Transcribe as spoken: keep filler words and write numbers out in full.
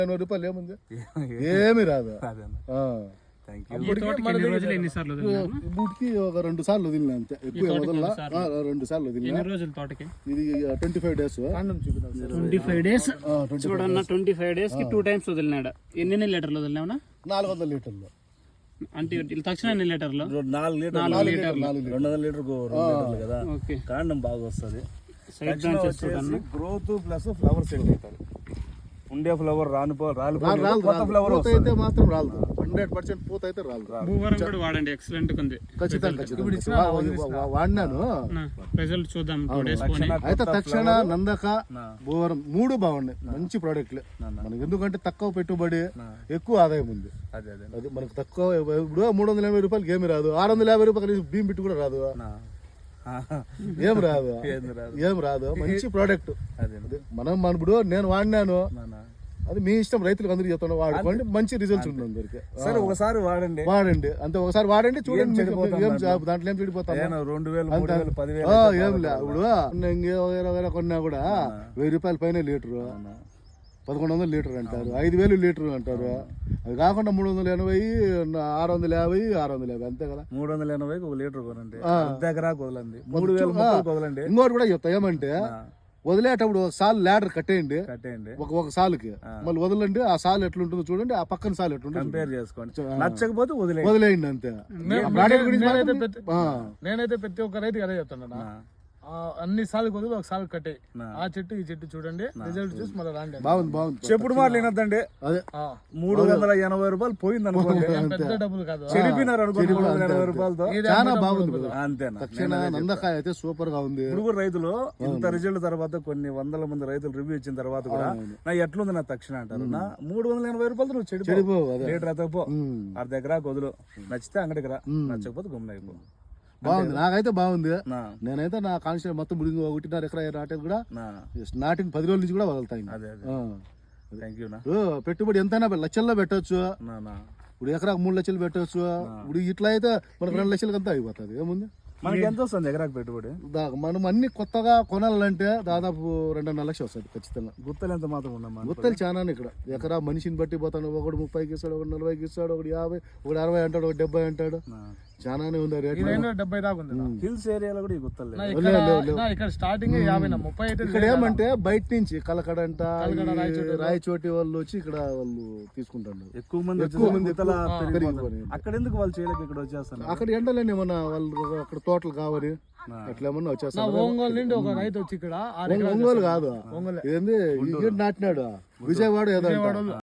ఎనభై రూపాయలు ఏముంది, ఏమి రాదు. బూటికి ఒక రెండు సార్లు వదిలినా అంతే, ఎక్కువ వదలలా. రెండు సార్లు వదిలినా. ఇది twenty five days twenty five days చూడన్నా ట్వంటీ ఫైవ్ డేస్ కి టూ టైమ్స్ వదిలినాడు. ఎన్ని లీటర్లు వదిలినావునా? నాలుగు వందల లీటర్లు. అంటే తక్షణ ఎన్ని లీటర్లు? నాలుగు లీటర్లు రెండు వందల లీటర్ కదా. కాండం బాగా వస్తుంది. గ్రోత్ ప్లస్ ఫ్లవర్ సెట్ అవుతారు. ఉండే ఫ్లవర్ రాను ఫ్లవర్ అయితే మాత్రం రాదు. హండ్రెడ్ పర్సెంట్ పూత అయితే రాదు. భూవరం కూడా వాడండి, ఎక్సలెంట్ ఉంది. ఖచ్చితంగా వాడినాను, రిజల్ట్ చూద్దాం. అయితే తక్షణ, నందక, భూవరం మూడు బాగున్నాయి, మంచి ప్రోడక్ట్లే మనకి. ఎందుకంటే తక్కువ పెట్టుబడి, ఎక్కువ ఆదాయం ఉంది. అది మనకు తక్కువ. ఇప్పుడు మూడు వందల యాభై రూపాయలకి ఏమి రాదు, ఆరు వందల యాభై రూపాయలు భీమ్ బిట్టు కూడా రాదు, ఏం రాదు, ఏం రాదు. మంచి ప్రోడక్ట్ మనం. మన ఇప్పుడు నేను వాడినాను, అది మీ ఇష్టం. రైతులకు అందరికి చెప్తాను, వాడుకోండి, మంచి రిజల్ట్స్ ఉంటుంది అందరికి. సరే ఒకసారి వాడండి, వాడండి అంతే. ఒకసారి వాడండి, చూడండి దాంట్లో ఏం చెడిపోతాను. రెండు వేలు ఏం లే. ఇప్పుడు వేరే కొన్నా కూడా వెయ్యి రూపాయల పైన లీటరు, పదకొండు వందల లీటర్ అంటారు, ఐదు వేలు లీటర్ అంటారు. అది కాకుండా మూడు వందల ఎనభై, ఆరు వందల యాభై, ఆరు వందల యాభై అంతే కదా. మూడు వందల ఎనభై ఒక లీటర్ కొనండి, దగ్గర వదలండి. మూడు వేలు వదలండి. ఇంకోటి కూడా చెప్తా ఏమంటే, వదిలేటప్పుడు సాల్ ల్యాడర్ కట్టేయండి, కట్టేయండి ఒక ఒక సాలుకి, మళ్ళీ వదలండి. ఆ సాల్ ఎట్లుంటుందో చూడండి, ఆ పక్కన సాల్ ఎట్లుంటుంది కంపేర్ చేసుకోండి. నచ్చకపోతే వదిలే వదిలేయండి అంతే. నేనైతే ప్రతి ఒక్క రైతుకి అదే చెప్తాను, అన్ని సార్లు కొద్దిగా ఒక సార్లు కట్టే ఆ చెట్టు ఈ చెట్టు చూడండి, రిజల్ట్ చూసి మళ్ళీ రాండి. బాగుంది బాగుంది. చెప్పుడు మాటలు వినొద్దండి. మూడు వందల ఎనభై రూపాయలు పోయింది అనుకోండి, పెద్ద డబ్బులు కాదు, చెడిపినారు అనుకోండి. మూడు వందల ఎనభై రూపాయలతో చాలా బాగుంది అంతేనా. తక్షణ నందకాయ అయితే సూపర్ గా ఉంది. ఇప్పుడు రైతులు ఇంత రిజల్ట్ తర్వాత కొన్ని వందల మంది రైతులు రివ్యూ ఇచ్చిన తర్వాత కూడా నా ఎట్లుంది నా తక్షణ అంటారు. నా మూడు వందల ఎనభై రూపాయలు నువ్వు చెడిపో, లీటర్ అతపో, అర్ధ ఎకరా కొదులు. నచ్చితే అంగడికి రా, నచ్చకపోతే గుమ్మన అయిపో. బాగుంది, నాకైతే బాగుంది. నేనైతే నా కాన్స్టిట్యూషన్ మొత్తం ముడిగి ఒకటిన్నర ఎకరా నాటేది కూడా నాటిన పది రోజుల నుంచి కూడా వదులుతాయి. పెట్టుబడి ఎంతైనా లక్షల్లో పెట్టవచ్చు. ఇప్పుడు ఎకరాకు మూడు లక్షలు పెట్టవచ్చు. ఇప్పుడు ఇట్లా అయితే మనకు రెండు లక్షలకి అంతా అయిపోతుంది. ఏముంది, మనకి ఎంత వస్తుంది ఎకరాకు పెట్టుబడి? మనం అన్ని కొత్తగా కొనాలంటే దాదాపు రెండున్నర లక్షలు వస్తుంది ఖచ్చితంగా. గుత్తలు ఎంత మాత్రం ఉన్నాం? గుత్తలు చాలా ఇక్కడ. ఎకరా మనిషిని బట్టి పోతాను. ఒకడు ముప్పైకి ఇస్తాడు, ఒకటి నలభైకి ఇస్తాడు, ఒకటి యాభై, ఒకటి అరవై అంటాడు, ఒకటి డెబ్బై అంటాడు. చాలానే ఉంది రేట్. డెబ్బై దాకా ఉంది. హిల్స్ ఏరియాలో కూడా ఈ గుత్తలు ఇక్కడ స్టార్టింగ్ యాభై ముప్పై అయితే. ఇక్కడ ఏమంటే బయట నుంచి కలకడంట, రాయచోటి వాళ్ళు వచ్చి ఇక్కడ వాళ్ళు తీసుకుంటారు. ఎక్కువ మంది ఎక్కువ మంది అక్కడ ఎందుకు వాళ్ళు చేయలేక ఇక్కడ వచ్చేస్తారు? అక్కడ ఎండలేని ఏమన్నా వాళ్ళు అక్కడ తోటలు కావాలి, అట్లా ఏమన్నా వచ్చేస్తారు. ఒంగోలు నుండి ఒక రైతు వచ్చి ఇక్కడ, ఒంగోలు కాదు, ఏంది నాటినాడు విజయవాడ ఏదో